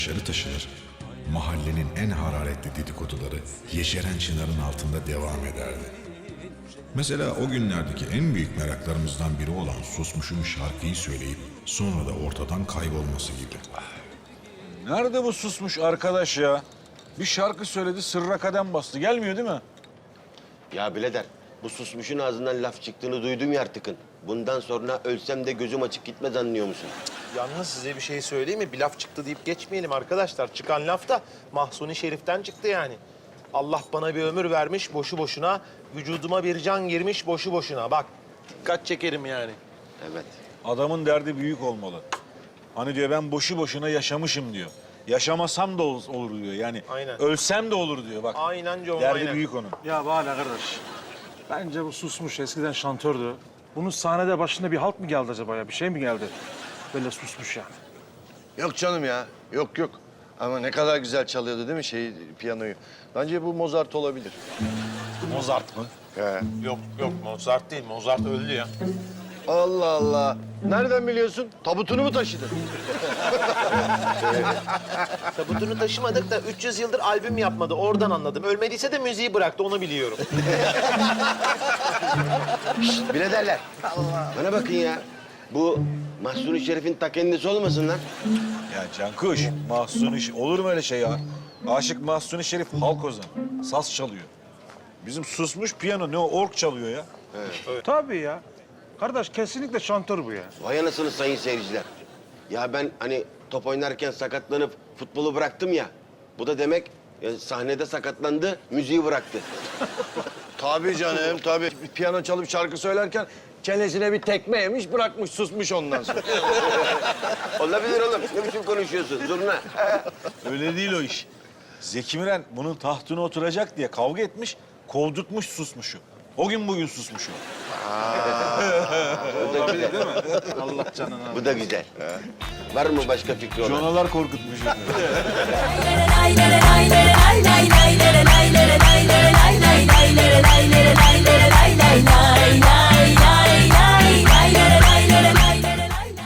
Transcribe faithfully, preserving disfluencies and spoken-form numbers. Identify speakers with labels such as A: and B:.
A: dışarı taşınır, mahallenin en hararetli dedikoduları yeşeren çınarın altında devam ederdi. Mesela o günlerdeki en büyük meraklarımızdan biri olan Susmuş'un şarkıyı söyleyip sonra da ortadan kaybolması gibi.
B: Nerede bu Susmuş arkadaş ya? Bir şarkı söyledi, sırra kadem bastı. Gelmiyor değil mi?
C: Ya birader, bu Susmuş'un ağzından laf çıktığını duydum ya artıkın. Bundan sonra ölsem de gözüm açık gitmez anlıyor musun?
D: Yalnız size bir şey söyleyeyim mi? Bir laf çıktı deyip geçmeyelim arkadaşlar. Çıkan laf da Mahsuni Şerif'ten çıktı yani. Allah bana bir ömür vermiş boşu boşuna, vücuduma bir can girmiş boşu boşuna. Bak, dikkat çekerim yani.
C: Evet.
B: Adamın derdi büyük olmalı. Hani diyor ben boşu boşuna yaşamışım diyor. Yaşamasam da ol- olur diyor. Yani
D: Aynen.
B: ölsem de olur diyor bak.
D: Aynen John,
B: Derdi
D: aynen.
B: büyük onun.
E: Ya bana kardeş. Bence bu Susmuş eskiden şantördü. Bunun sahnede başında bir halt mı geldi acaba ya? Bir şey mi geldi? Böyle susmuş yani.
F: Yok canım ya. Yok yok. Ama ne kadar güzel çalıyordu değil mi şey piyanoyu? Bence bu Mozart olabilir.
D: Mozart mı?
F: He.
D: Yok yok Mozart değil. Mozart öldü ya.
F: Allah Allah. Nereden biliyorsun? Tabutunu mu taşıdın?
D: Tabutunu taşımadık da üç yüz yıldır albüm yapmadı. Oradan anladım. Ölmediyse de müziği bıraktı, onu biliyorum.
C: Biraderler, bana bakın ya. Bu Mahsuni Şerif'in ta kendisi olmasın lan.
B: Ya Cankuş, Mahsuni Şerif. Olur mu öyle şey ya? Aşık Mahsuni Şerif halk ozanı. Saz çalıyor. Bizim Susmuş piyano ne o org çalıyor ya.
E: Tabii ya. Kardeş kesinlikle şantör bu ya.
C: Vay anasını sayın seyirciler. Ya ben hani top oynarken sakatlanıp futbolu bıraktım ya. Bu da demek ya sahnede sakatlandı, müziği bıraktı.
F: Tabii canım tabii. Piyano çalıp şarkı söylerken çenesine bir tekme yemiş bırakmış susmuş ondan sonra.
C: Olabilir oğlum. Ne biçim konuşuyorsun zurna?
B: Öyle değil o iş. Zeki Müren bunun tahtına oturacak diye kavga etmiş, kovdurtmuş Susmuş'u. O gün bugün Susmuş o.
C: Bu da güzel.
E: Allah canına.
C: Bu da güzel. Var mı başka fikri olan?
B: Jonalar korkutmuş.
G: lay lay lay lay lay lay lay lay lay lay lay lay lay lay